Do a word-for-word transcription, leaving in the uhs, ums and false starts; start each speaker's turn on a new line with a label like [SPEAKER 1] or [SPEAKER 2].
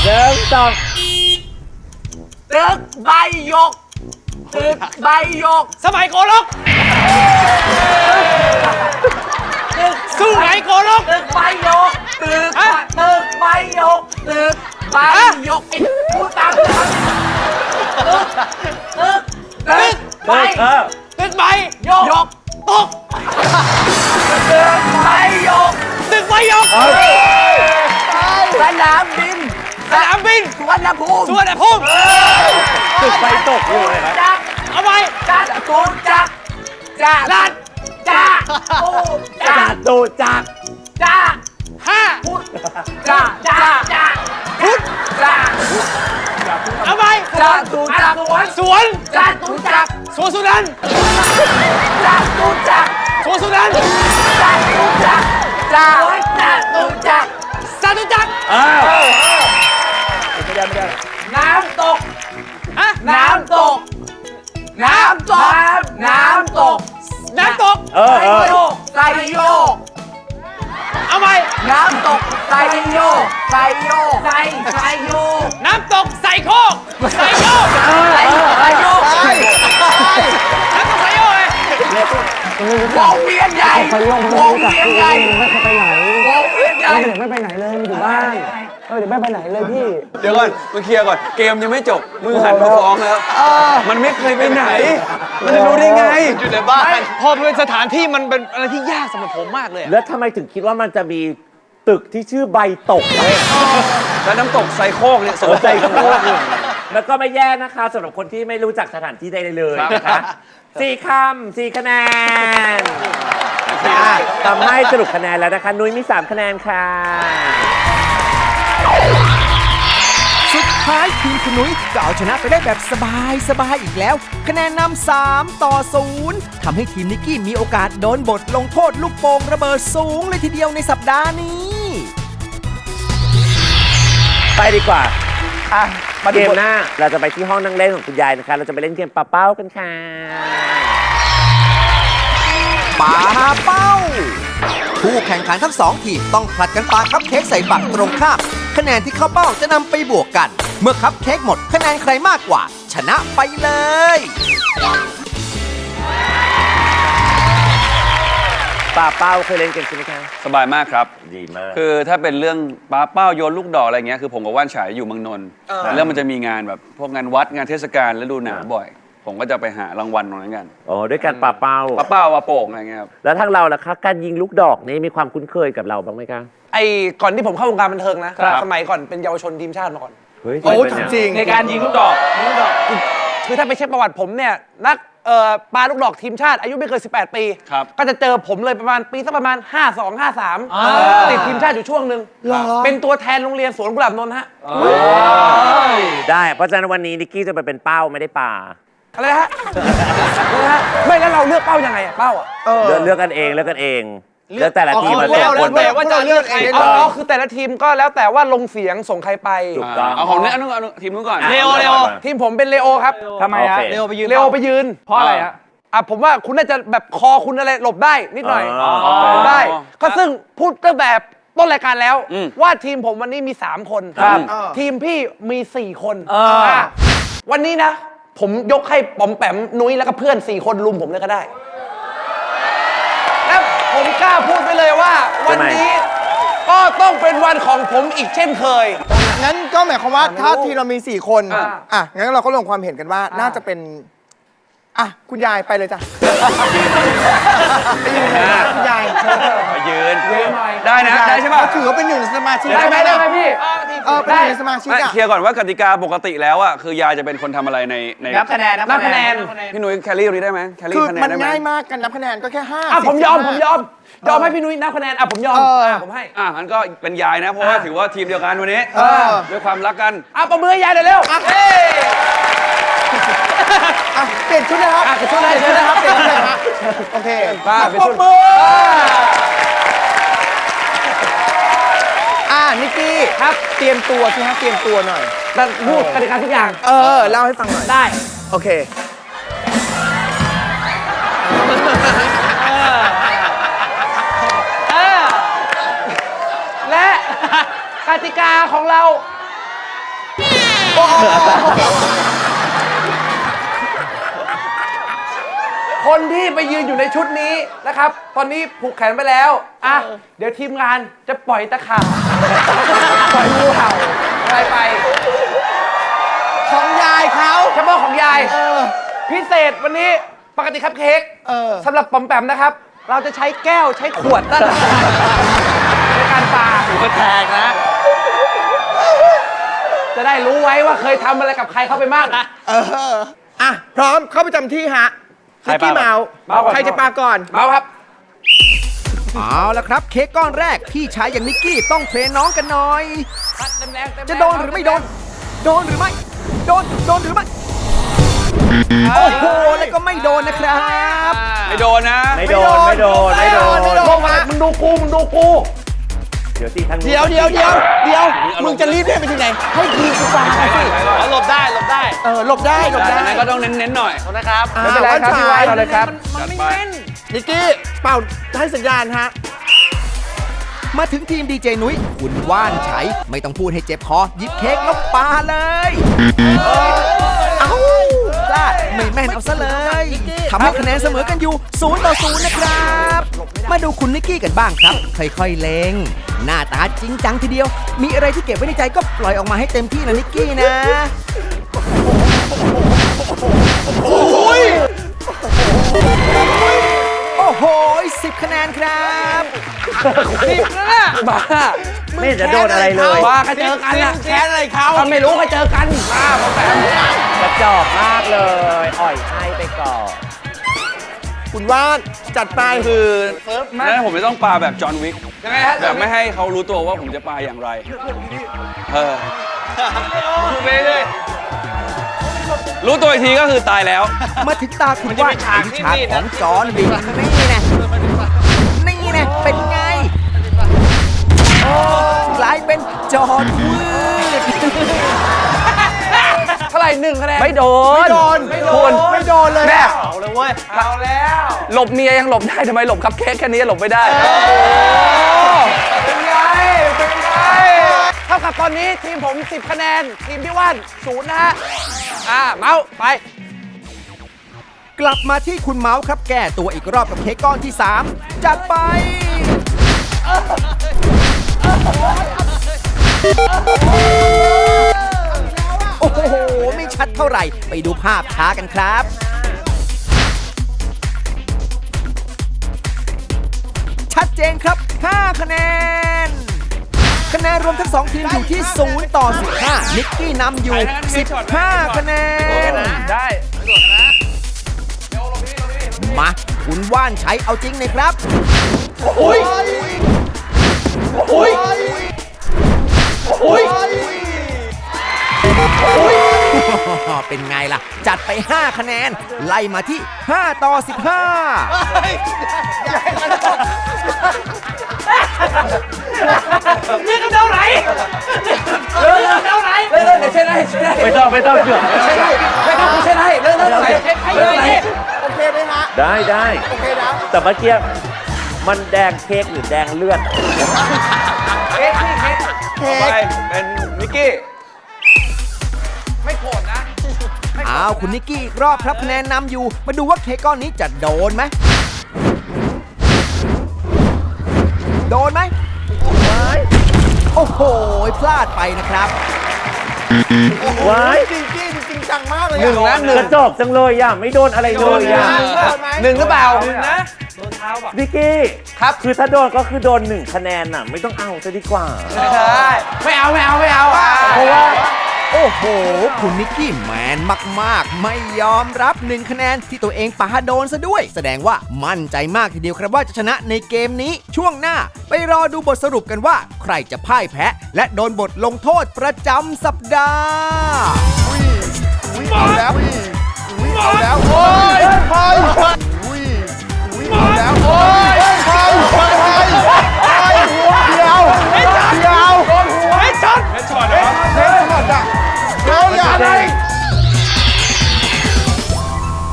[SPEAKER 1] นึ่งสอง
[SPEAKER 2] ตึกใบหยกตึกใบหยก
[SPEAKER 3] สมัยโกลกสู้ไหนโกลก
[SPEAKER 2] ตึกใบหยกตึกตึกใบหยกตึกใบหยกไอ้พูดตามตึกตึกตึกใบ
[SPEAKER 3] ตึกใบ
[SPEAKER 2] หยก
[SPEAKER 3] ตก
[SPEAKER 2] ตึกใบหยก
[SPEAKER 3] ตึกใบหยก
[SPEAKER 2] สนามบิน
[SPEAKER 3] สนามบิน
[SPEAKER 2] สุวรรณภูมิ
[SPEAKER 3] สุวรรณภูมิ
[SPEAKER 1] ตึกไฟตกอยู่เลยครับ
[SPEAKER 3] เอาไป
[SPEAKER 2] จัดตูจักจัดลัดจ้าตูจัด
[SPEAKER 1] ตูจัก
[SPEAKER 2] จ้า
[SPEAKER 3] ห้า
[SPEAKER 2] พุทธจ้าจ้าจ้าพุทธจ้า
[SPEAKER 3] เอาไป
[SPEAKER 2] จัดตูจัก
[SPEAKER 3] สวน
[SPEAKER 2] จัดตูจัก
[SPEAKER 3] สวนสุนันท์
[SPEAKER 2] จัดตูจัก
[SPEAKER 3] สวนสุนันท์
[SPEAKER 2] จัดตูจักจัดจัดตูจัก
[SPEAKER 3] จัตุจักร
[SPEAKER 1] อ้าวไม่ได้ไม่ได้
[SPEAKER 2] น้ำตก
[SPEAKER 3] ฮะ
[SPEAKER 2] น้ำตกน้ำตกน้ำตก
[SPEAKER 3] น้ำตก
[SPEAKER 1] เออเออ
[SPEAKER 2] ไซโยก
[SPEAKER 3] เอาไป
[SPEAKER 2] น้ำตกไซโยกไซโยกไซไซโยก
[SPEAKER 3] น้ำตกใส่โคกใส่โยก
[SPEAKER 2] ไซไซโยก
[SPEAKER 3] น้ำตกใส่โยกเลยว
[SPEAKER 2] งเวียนใหญ่วงเวียนใหญ่
[SPEAKER 4] ไม่ไปไหน
[SPEAKER 2] วงเวียนใหญ่
[SPEAKER 4] เด็กไม่ไปไหนเลยมันอยู่บ้านเออเด็กไม่ไปไหนเลยพี่
[SPEAKER 5] เดี๋ยวก่อนมึงเคลียร์ก่อนเกมยังไม่จบมึงหันมาฟ้องแล้วมันไม่เคยไปไหนมันจะรู้ได้ไงอยู่ในบ้าน
[SPEAKER 3] พอเป็นสถานที่มันเป็นอะไรที่ยากสำหรับผมมากเลย
[SPEAKER 1] แล้วทำไมถึงคิดว่ามันจะมีตึกที่ชื่อใบตกเลย
[SPEAKER 5] แล้วน้ำตกไซโคกเนี่ยสนใจ
[SPEAKER 1] โคกแล้วก็ไม่แย่นะคะสำหรับคนที่ไม่รู้จักสถานที่ใดเลยนะคะสี่คำสี่คะแนนทำให้สรุปคะแนนแล้วนะคะนุ้ยมีสามคะแนนค่ะ
[SPEAKER 6] สุดท้ายทีมคุณนุ้ยก็เอาชนะไปได้แบบสบายสบายอีกแล้วคะแนนนำสามต่อศูนย์ทำให้ทีมนิกกี้มีโอกาสโดนบทลงโทษลูกโป่งระเบิดสูงเลยทีเดียวในสัปดาห์นี้
[SPEAKER 1] ไปดีกว่าเกมหน้าเราจะไปที่ห้องนั่งเล่นของคุณยายนะคะเราจะไปเล่นเกมปาเป้ากันค่ะ
[SPEAKER 6] ปาเป้าผู้แข่งขันทั้งสองทีมต้องผลัดกันปาคัพเค้กใส่ฝั่งตรงข้ามคะแนนที่เข้าเป้าจะนำไปบวกกันเมื่อคัพเค้กหมดคะแนนใครมากกว่าชนะไปเลย
[SPEAKER 1] ปาเป้าเคยเล่นเกมใช่ไหมคะ
[SPEAKER 5] สบายมากครับ
[SPEAKER 1] ดีมาก
[SPEAKER 5] คือถ้าเป็นเรื่องปาเป้าโยนลูกดอกอะไรเงี้ยคือผมกับว่านฉายอยู่เมืองนนท์แล้วมันจะมีงานแบบพวกงานวัดงานเทศกาลและดูหนังบ่อยผมก็จะไปหารางวัลตรงนั้นกัน
[SPEAKER 1] อ๋อด้วยการปาเป้า
[SPEAKER 5] ปาเป้าปาโป่งอะไรเงี้ยครับ
[SPEAKER 1] แล้วทางเราล่ะคะการยิงลูกดอกนี่มีความคุ้นเคยกับเราบ้างไหมคะ
[SPEAKER 3] ไอ้ก่อนที่ผมเข้าวงการบันเทิงนะสมัยก่อนเป็นเยาวชนทีมชาติมาก่อน
[SPEAKER 1] โอ้
[SPEAKER 3] จริงในการยิงลูกดอกลูกดอกคือถ้าไปเช็คประวัติผมเนี่ยนักเอ่อปาลูกดอกทีมชาติอายุไม่เกินสิบแปดปีก็จะเจอผมเลยประมาณปีสักประมาณห้าสอง ห้าสามติดทีมชาติอยู่ช่วงนึงเป็นตัวแทนโรงเรียนสวนกุหลาบนนท์ฮะ
[SPEAKER 1] ได้เพราะฉะนั้นวันนี้นิกกี้จะไปเป็นเป้าไม่ได้ปา
[SPEAKER 3] อะไรฮะอะไรฮะไม่แล้วเราเลือกเป้ายังไงอะเป้าอะ
[SPEAKER 1] เลือกเลือกกันเองเลือกกันเองเลือกแต่ละทีมมา
[SPEAKER 3] ส่งคนไปว่าจะเลือกใครอ๋อคือแต่ละทีมก็แล้วแต่ว่าลงเสียงส่งใครไป
[SPEAKER 1] ถูกต้อง
[SPEAKER 5] เอาของนี้อันนู้นทีมนู้นก่อน
[SPEAKER 3] เลโอเลโอทีมผมเป็นเลโอครับ
[SPEAKER 1] ทำไมฮะ
[SPEAKER 3] เลโอไปยืนเลโอไปยืนเพราะอะไรฮะอ่ะผมว่าคุณน่าจะแบบคอคุณอะไรหลบได้นิดหน่อยได้ก็ซึ่งพูดตั้งแต่ต้นรายการแล้วว่าทีมผมวันนี้มีสามคนทีมพี่มีสี่คนวันนี้นะผมยกให้ป๋อมแปมนุ้ยแล้วก็เพื่อนสี่คนลุมผมเลยก็ได้แล้วผมกล้าพูดไปเลยว่าวันนี้ก็ต้องเป็นวันของผมอีกเช่นเคย
[SPEAKER 4] งั้นก็หมายความว่าถ้าทีเรามีสี่คนอ่ะงั้นเราก็ลงความเห็นกันว่าน่าจะเป็นอ่ะคุณยายไปเลยจ้ะไปยืนคุณยาย
[SPEAKER 5] ไปยืนได้นะได้ใช่ไหม
[SPEAKER 4] ถือว่าเป็นหนึ่งสมาชิก
[SPEAKER 3] ได้ไหมได้ไหมพี่
[SPEAKER 4] เออเป็นหนึ่งสมาชิก
[SPEAKER 5] เคลียร์ก่อนว่ากติกาปกติแล้วอ่ะคือยายจะเป็นคนทำอะไรในใน
[SPEAKER 3] นับคะแนนนับคะแนน
[SPEAKER 5] พี่นุ้ยแคลรี่ตรงนี้ได้ไหมแคลรี่คะแนนได้ไหม
[SPEAKER 4] มันง่ายมากกันนับคะแนนก็แค่ห้า
[SPEAKER 3] อ่ะผมยอมผมยอมยอมให้พี่นุ้ยนับคะแนนอ่ะผมยอมอ่ะผมให้
[SPEAKER 5] อ่ะงั้นก็เป็นยายนะเพราะว่าถือว่าทีมเดียวกันวันนี้ด้วยความรักกัน
[SPEAKER 3] อ่ะประมือยายเดี๋ยวเร็ว
[SPEAKER 4] เปลี่ยนชุดนะครับ
[SPEAKER 3] เปลี่ยนชุดเลยชุดนะครับเปลี่ยนชุดเลยครับ
[SPEAKER 4] โอเค
[SPEAKER 3] ป้าเปลี่ยนชุด
[SPEAKER 4] อ่านิกกี้ครับเตรียมตัวสิฮะเตรียมตัวหน่อย
[SPEAKER 3] พูดกติกาทุกอย่าง
[SPEAKER 4] เออเล่าให้ฟังหน่อย
[SPEAKER 3] ได้
[SPEAKER 4] โอเค
[SPEAKER 3] และกติกาของเราคนที่ไปยืนอยู่ในชุดนี้นะครับ ตอนนี้ผูกแขนไปแล้วอ่ะเดี๋ยวทีมงานจะปล่อยตะขาบ ปล่อยงูเห่าอะไรไป
[SPEAKER 4] ของยายเขา
[SPEAKER 3] เฉพาะของยายพิเศษวันนี้ปกติครับเค้ก
[SPEAKER 4] เออ
[SPEAKER 3] สำหรับปอมแปมนะครับ เราจะใช้แก้วใช้ขวดนั่นแหละในการปา
[SPEAKER 5] หัวแตกนะ
[SPEAKER 3] จะได้รู้ไว้ว่าเคยทำอะไรกับใครเข้าไปบ้าง
[SPEAKER 4] เอออ่ะพร้อมเข้าประจำที่ฮะ
[SPEAKER 5] ใคร
[SPEAKER 4] นิกกี้
[SPEAKER 5] ปา
[SPEAKER 4] เมาส์
[SPEAKER 3] เมาส์ก่อน
[SPEAKER 4] ใครจะปาก่อน
[SPEAKER 3] เมาครับ
[SPEAKER 6] เอาละครับเค้กก้อนแรกพี่ชายอย่างนิกกี้ต้องเทรนน้องกันหน่อย จะโดนหรือไม่โดน โดนหรือไม่ โดน โดนหรือไม่ โอ้โห แล้วก็ไม่โดนนะครับ
[SPEAKER 5] ไม่โดนนะ
[SPEAKER 1] ไม่โดน ไม่โดน ไม่โดน
[SPEAKER 4] ไม่โดน
[SPEAKER 3] พวกมันมึงดูกูมึงดูกู
[SPEAKER 1] เดี๋ยวสิทางนู้น
[SPEAKER 4] เดี๋ยวเดี๋ยวเดี๋ยวเดี๋ยวมึงจะรีบเล่นไปที่ไหน ให้ทีมกูปาสิ
[SPEAKER 5] อ๋อหลบได้หลบได้
[SPEAKER 4] เออหลบได้หลบได้
[SPEAKER 5] ดังนั้นก็ต้องเน้นๆหน่อยนะครับ
[SPEAKER 4] อ่า
[SPEAKER 3] ไม่เป็นไรครับพี่ไว้เราเลยครับ
[SPEAKER 5] จัดไป
[SPEAKER 4] นิกกี้เป่าให้สัญญาณฮะ
[SPEAKER 6] มาถึงทีมดีเจนุ้ยคุณว่านไฉไม่ต้องพูดให้เจ็บคอหยิบเค้กแล้วปาเลยเอ้าพลาดไม่แม่นเอาซะเลยทำให้คะแนนเสมอกันอยู่ศูนย์ต่อศูนย์นะครับ มาดูคุณนิกกี้กันบ้างครับ ค่อยๆเล็งหน้าตาจริงจังทีเดียว มีอะไรที่เก็บไว้ในใจก็ปล่อยออกมาให้เต็มที่นะนิกกี้นะ โอ้โหสิบคะแนนครับ
[SPEAKER 3] สิบแล้วนะบ้า
[SPEAKER 1] ไม่เห็นจะโดนอะไรเลย
[SPEAKER 3] บ้าก็เจอกันนะ
[SPEAKER 4] แค้นอะไรเขา
[SPEAKER 3] ถ้าไม่รู้ก็เจอกันบ้าพอแปม
[SPEAKER 1] กระจอกมากเลย อ่อยให้ไปก่อน
[SPEAKER 4] คุณว่านจัดไป
[SPEAKER 5] คือนั้นผมไม่ต้องปาแบบจอห์นวิก
[SPEAKER 3] ยังไงฮะ
[SPEAKER 5] แบบไม่ให้เขารู้ตัวว่าผมจะปาอย่างไร เออพูดไปเรื่อยรู้ตัวอีกทีก็คือตายแล้ว
[SPEAKER 6] มาถึงตาคุณว่านไฉวิชาของจอห์นวิกนี่นะนี่นะเป็นไงโอ้กลายเป็นจอห์นวืด
[SPEAKER 3] เท่าไหร่หนึ่งคะแนน
[SPEAKER 1] ไม่โดน
[SPEAKER 4] ไม่โดน
[SPEAKER 3] ไม่โดน
[SPEAKER 4] คุณไม่โดนเลย
[SPEAKER 3] แม่
[SPEAKER 4] อะ
[SPEAKER 3] เอาเลยเว้ยเอาแล้ว หลบเมียยังหลบได้ทำไมหลบคัพเค้กแค่นี้หลบไม่ได้เป็นไงเป็นไงเท่ากับตอนนี้ทีมผมสิบคะแนนทีมพี่ว่านศูนย์นะฮะอ่าเมาส์ไป
[SPEAKER 6] กลับมาที่คุณเมาส์ครับแก้ตัวอีกรอบกับเค้กก้อนที่ สาม จัดไป โอ้โห ไม่ชัดเท่าไหร่ ไปดูภาพช้ากันครับ ชัดเจนครับ ห้า คะแนน คะแนนรวมทั้งสองทีมอยู่ที่ศูนย์ต่อสิบห้า นิกกี้นำอยู่ สิบห้า คะแนน
[SPEAKER 3] ได้
[SPEAKER 6] มา คุณว่านไฉเอาจริงเลยครับ
[SPEAKER 4] อุ้ยอุ้ยอุ้ย
[SPEAKER 6] เป็นไงล่ะ จัดไป ห้า คะแนน ไล่มาที่ ห้า ต่อ สิบห้า
[SPEAKER 3] นี่กระเดาไหนเลิกกระเดาไหนเลิกเลิกเดี๋ยวเช็ดให้เช็ดให้
[SPEAKER 1] ไม่ต้องไม่ต้องเกือบ
[SPEAKER 3] ไม่ต้องกูเช็ดให้เลิกเลิกไหนเช็ดให้เลยนี่
[SPEAKER 4] โอเคไหมฮะ
[SPEAKER 1] ได้ได้
[SPEAKER 4] โอเคนะ
[SPEAKER 1] แต่เมื่อกี้มันแดงเค้กหรือแดงเลือด
[SPEAKER 3] เค้กนี่เค้ก
[SPEAKER 4] เค้
[SPEAKER 5] ไป
[SPEAKER 4] ก
[SPEAKER 5] เป็นมิกกี้
[SPEAKER 3] ไม่โกรธนะ
[SPEAKER 6] อ้าวคุณนิกกี้อีกรอบครับคะแนนนำอยู่ มาดูว่าเค้กก้อนนี้จะโดนไหม โดนไหม โอ้โห พลาดไปนะครับ
[SPEAKER 1] ว้าย
[SPEAKER 4] จริงจริงจริงจังมากเลย
[SPEAKER 3] หนึ่งนะหนึ่
[SPEAKER 1] ก
[SPEAKER 3] ง
[SPEAKER 1] ระจอกจังเลยอ่ะ ไม่โดนอะไรเลยอ่ะ
[SPEAKER 3] หนึ่งหรือเปล่าหนึ่งนะ
[SPEAKER 1] นิกกี้
[SPEAKER 3] ครับ
[SPEAKER 1] คือถ้าโดนก็คือโดนหนึ่งคะแนนน่ะ ไม่ต้องเอาจะดีกว่า
[SPEAKER 3] ไม่ใช่ไม่เอาไม่เอาไม่เอาอ่ะ
[SPEAKER 1] เพราะว่า
[SPEAKER 6] โอ้โห คุณนิกกี้แมนมากๆ ไม่ยอมรับหนึ่งคะแนนที่ตัวเองปาโดนซะด้วย แสดงว่ามั่นใจมากทีเดียวครับว่าจะชนะในเกมนี้ ช่วงหน้าไปรอดูบทสรุปกันว่า ใครจะพ่ายแพ้ และโดนบทลงโทษประจำสัปดาห์
[SPEAKER 4] เอาแล้วเอาแล้วโอ้ย